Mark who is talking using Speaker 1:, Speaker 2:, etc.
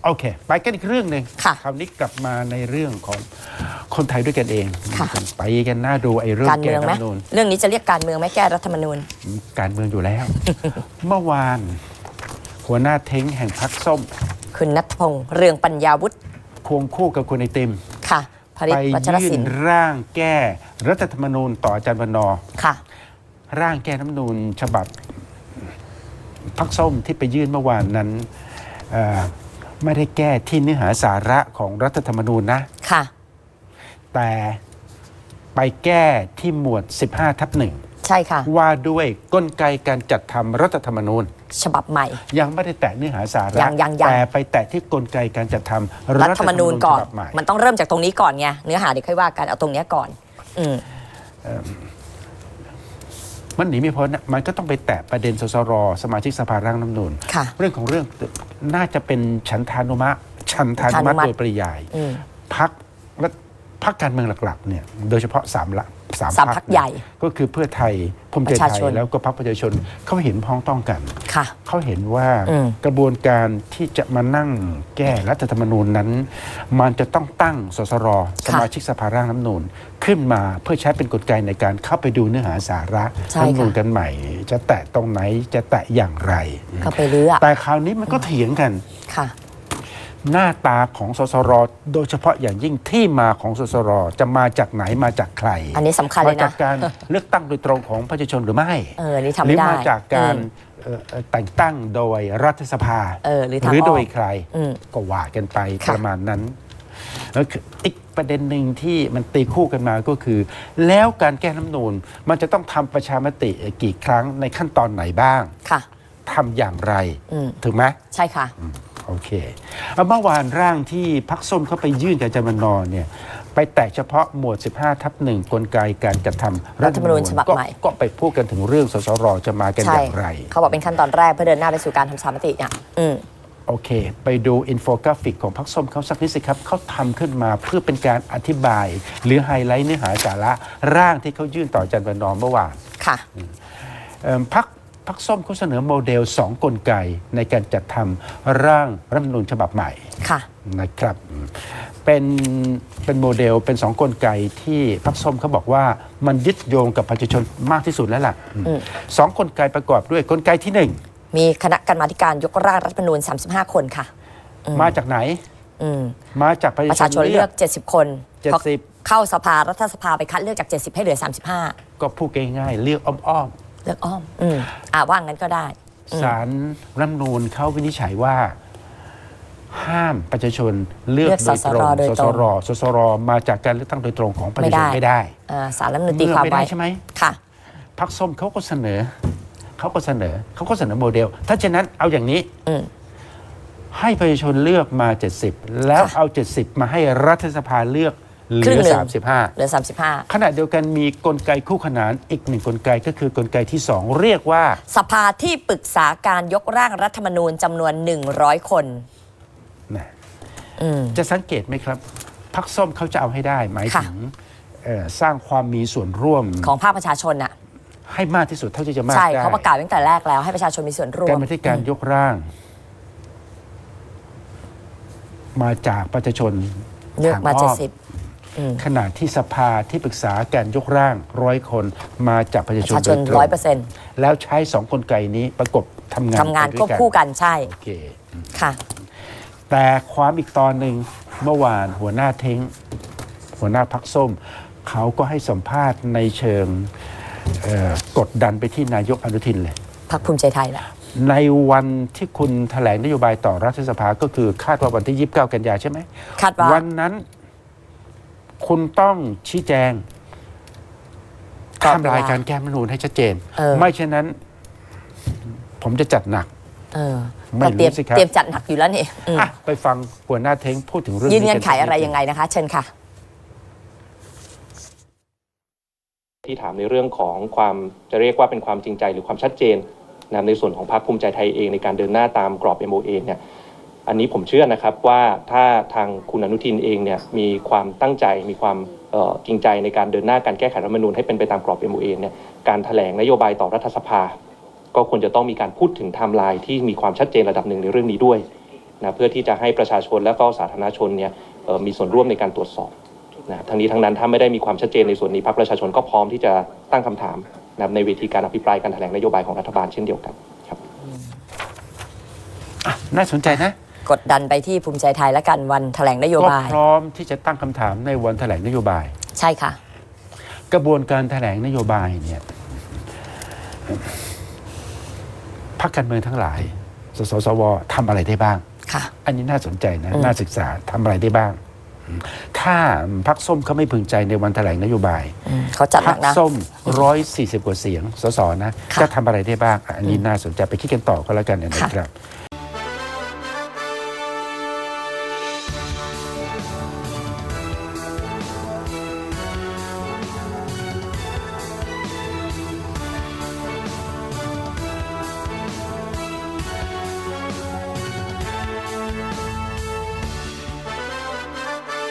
Speaker 1: โอเคไปกันอีกเรื่องหนึ่งคราวนี้กลับมาในเรื่องของคนไทยด้วยกันเองไปกันน่าดูไอ้เรื่องแก้รัฐธรรมนูญ
Speaker 2: เรื่องนี้จะเรียกการเมืองไหมแก้รัฐธรรมนูญ
Speaker 1: การเมืองอยู่แล้ว เมื่อวานหัวหน้าเท้งแห่งพรรคส้ม
Speaker 2: คุณณัฐพงษ์เรืองปัญญาวุฒิ
Speaker 1: ควงคู่กับคุณไอติม
Speaker 2: ค่ะ
Speaker 1: ไปยื่นร่างแก้รัฐธรรมนูญต่ออาจารย์วันนอร์
Speaker 2: ค่ะ
Speaker 1: ร่างแก้รัฐธรรมนูญฉบับพรรคส้มที่ไปยื่นเมื่อวานนั้นไม่ได้แก้ที่เนื้อหาสาระของรัฐธรรมนูญนะ
Speaker 2: ค่ะ
Speaker 1: แต่ไปแก้ที่หมวด 15/1
Speaker 2: ใช่ค่ะ
Speaker 1: ว่าด้วยกลไกการจัดทำรัฐธรรมนูญ
Speaker 2: ฉบับใหม่
Speaker 1: ยังไม่ได้แตะเนื้อหาสาระแต่ไปแตะที่กลไกการจัดทำ
Speaker 2: รัฐธรรมนูญก่อนมันต้องเริ่มจากตรงนี้ก่อนไงเนื้อหาเดี๋ยวค่อยว่ากันเอาตรงนี้ก่อน
Speaker 1: มันหนีไม่พ้นมันก็ต้องไปแตะประเด็นสสรสมาชิกสภาร่างรัฐธรรมนูญเรื่องของเรื่องน่าจะเป็นฉันทานุมัติโดยปริยายพรรคการเมืองหลักๆเนี่ยโดยเฉพาะ3พรรคใหญ่ก็คือเพื่อไทยภูมิใจไทยแล้วก็พรรคประชาชนเขาเห็นพ้องต้องกันเขาเห็นว่ากระบวนการที่จะมานั่งแก้รัฐธรรมนูญนั้นมันจะต้องตั้งสสรสมาชิกสภาร่างรัฐธรรมนูญขึ้นมาเพื่อใช้เป็นกลไกในการเข้าไปดูเนื้อหาสาระรัฐธรรมนูญกันใหม่จะแตะตรงไหนจะแตะอย่างไร
Speaker 2: เข้าไปเรื่อย
Speaker 1: แต่คราวนี้มันก็เถียงกันหน้าตาของสสรโดยเฉพาะอย่างยิ่งที่มาของสสรจะมาจากไหนมาจากใคร
Speaker 2: อันนี้สำคัญเลยนะ
Speaker 1: มาจากการเลือกตั้งโดยตรงของประชาชนหรือไม่
Speaker 2: นี่ทำ
Speaker 1: หรือมาจากการแต่งตั้งโดยรัฐสภาหรือโดยใครก็ว่ากันไปประมาณนั้นแล้วอีกประเด็นหนึ่งที่มันตีคู่กันมาก็คือแล้วการแก้รัฐธรรมนูญมันจะต้องทำประชามติกี่ครั้งในขั้นตอนไหนบ้างทำอย่างไรถูกไหม
Speaker 2: ใช่ค่ะ
Speaker 1: โอเคเมื่อวานร่างที่พรรคส้มเขาไปยื่นกับอาจารย์วันนอร์เนี่ยไปแตะเฉพาะหมวด 15/1 กลไกการจัดทำ
Speaker 2: รัฐธรรมนูญฉบับใหม่
Speaker 1: ก็ไปพูดกันถึงเรื่องสสรจะมากันอย่างไร
Speaker 2: เขาบอกเป็นขั้นตอนแรกเพื่อเดินหน้าไปสู่การทำประชามติเนี่ย
Speaker 1: โอเคไปดูอินโฟกราฟิกของพรรคส้มเขาสักนิดสิครับเขาทำขึ้นมาเพื่อเป็นการอธิบายหรือไฮไลท์เนื้อหาสาระร่างที่เขายื่นต่ออาจารย์วันนอร์เมื่อวาน
Speaker 2: ค่ะ
Speaker 1: พรรคส้มเขาเสนอโมเดล2กลไกในการจัดทำร่างรัฐธรรมนูญฉบับใหม่นะครับเป็นโมเดลเป็น2กลไกที่พรรคส้มเขาบอกว่ามันยึดโยงกับประชาชนมากที่สุดแล้วล่ะ2กลไกประกอบด้วยกลไกที่1
Speaker 2: มีคณะกรรมาธิการยกร่างรัฐธรรมนูญ35 คนค่ะ
Speaker 1: มาจากไหนมาจาก
Speaker 2: ประชาชนเลือก70 คนเข้าสภารัฐสภาไปคัดเลือกจาก70ให้เหลือ35
Speaker 1: ก็พูดง่ายๆเลือกอ้อม
Speaker 2: ว่างั้นก็ได้
Speaker 1: ศาลรัฐธรรมนูญเขาวินิจฉัยว่าห้ามประชาชนเลือกโดยตรงสสรมาจากการเลือกตั้งโดยตรงของประชาชนไม่ได้
Speaker 2: ศาลรัฐธรรมนูญตีความไว้
Speaker 1: ใช่ไหม
Speaker 2: ค่ะ
Speaker 1: พรรคส้มเขาก็เสนอโมเดลถ้าเช่นนั้นเอาอย่างนี้ให้ประชาชนเลือกมา70แล้วเอา70มาให้รัฐสภาเลือกเหลือ35ขณะเดียวกันมีกลไกคู่ขนานอีกหนึ่งกลไกก็คือกลไกที่2เรียกว่า
Speaker 2: สภาที่ปรึกษาการยกร่างรัฐธรรมนูญจำนวน100 คน
Speaker 1: จะสังเกตไหมครับพรรคส้มเขาจะเอาให้ได้หมายถึงสร้างความมีส่วนร่วม
Speaker 2: ของภาคประชาชนน่ะ
Speaker 1: ให้มากที่สุดเท่าที่จะมากได้
Speaker 2: ใช่เขาประกาศตั้งแต่แรกแล้วให้ประชาชนมีส่วนร่วม
Speaker 1: การบันทึกการยกร่างมาจากประชาชน
Speaker 2: เลือกมา70
Speaker 1: ขณะที่สภาที่ปรึกษาการยกร่าง100 คนมาจากประชาชน
Speaker 2: 100%
Speaker 1: แล้วใช้2กลไกนี้ประกบทำงาน
Speaker 2: ควบคู่กันใช่
Speaker 1: โอเค
Speaker 2: ค่ะ
Speaker 1: แต่ความอีกตอนหนึ่งเมื่อวานหัวหน้าเท้งหัวหน้าพรรคส้มเขาก็ให้สัมภาษณ์ในเชิงกดดันไปที่นายกอนุทินเลย
Speaker 2: พรรคภูมิใจไทยแหละ
Speaker 1: ในวันที่คุณแถลงนโยบายต่อรัฐสภาก็คือคาดว่าวันที่29 กันยายนใช่ไหม
Speaker 2: คาดว่า
Speaker 1: วันนั้นคุณต้องชี้แจงไทม์ไลน์การแก้รัฐธรรมนูญให้ชัดเจนไม่เช่นนั้นผมจะจัดหนัก
Speaker 2: ไม่รู้สิครับเตรียมจัดหนักอยู่แล้วนี่
Speaker 1: ไปฟังหัวหน้าเท้งพูดถึงเรื่อง
Speaker 2: ยืนเงื่อนไขอะไรยังไงนะคะเชิญค่ะ
Speaker 3: ที่ถามในเรื่องของความจะเรียกว่าเป็นความจริงใจหรือความชัดเจนนะในส่วนของพรรคภูมิใจไทยเองในการเดินหน้าตามกรอบ MOA เนี่ยอันนี้ผมเชื่อนะครับว่าถ้าทางคุณอนุทินเองเนี่ยมีความตั้งใจมีความจริงใจในการเดินหน้าการแก้ไขรัฐธรรมนูญให้เป็นไปตามกรอบ MOA เนี่ยการแถลงนโยบายต่อรัฐสภาก็ควรจะต้องมีการพูดถึงไทม์ไลน์ที่มีความชัดเจนระดับหนึ่งในเรื่องนี้ด้วยนะเพื่อที่จะให้ประชาชนและก็สาธารณชนเนี่ยมีส่วนร่วมในการตรวจสอบนะทั้งนี้ทั้งนั้นถ้าไม่ได้มีความชัดเจนในส่วนนี้พรรคประชาชนก็พร้อมที่จะตั้งคำถามนะในเวทีการอภิปรายการแถลงนโยบายของรัฐบาลเช่นเดียวกันครับ
Speaker 1: น่าสนใจนะ
Speaker 2: กดดันไปที่ภูมิใจไทยและกันวันแถลงนโย
Speaker 1: ก็
Speaker 2: บาย
Speaker 1: พร้อมที่จะตั้งคำถามในวันแถลงนโยบาย
Speaker 2: ใช่ค่ะ
Speaker 1: กระบวนการแถลงนโยบายเนี่ยพรรคการเมืองทั้งหลายสสวทำอะไรได้บ้าง
Speaker 2: ค่ะ
Speaker 1: อันนี้น่าสนใจนะน่าศึกษาทำอะไรได้บ้าง ถ้าพรรคส้มเขาไม่พึงใจในวันแถลงนโยบาย
Speaker 2: เขาจัด
Speaker 1: พ
Speaker 2: ห
Speaker 1: ร
Speaker 2: นั
Speaker 1: ร
Speaker 2: ก
Speaker 1: ค
Speaker 2: นะ
Speaker 1: ส้ม140 กว่าเสียงสสนะ
Speaker 2: ค่ะ
Speaker 1: จะทำอะไรได้บ้าง อันนี้น่าสนใจไปคิดกันต่อก็แล้วกันนะครับ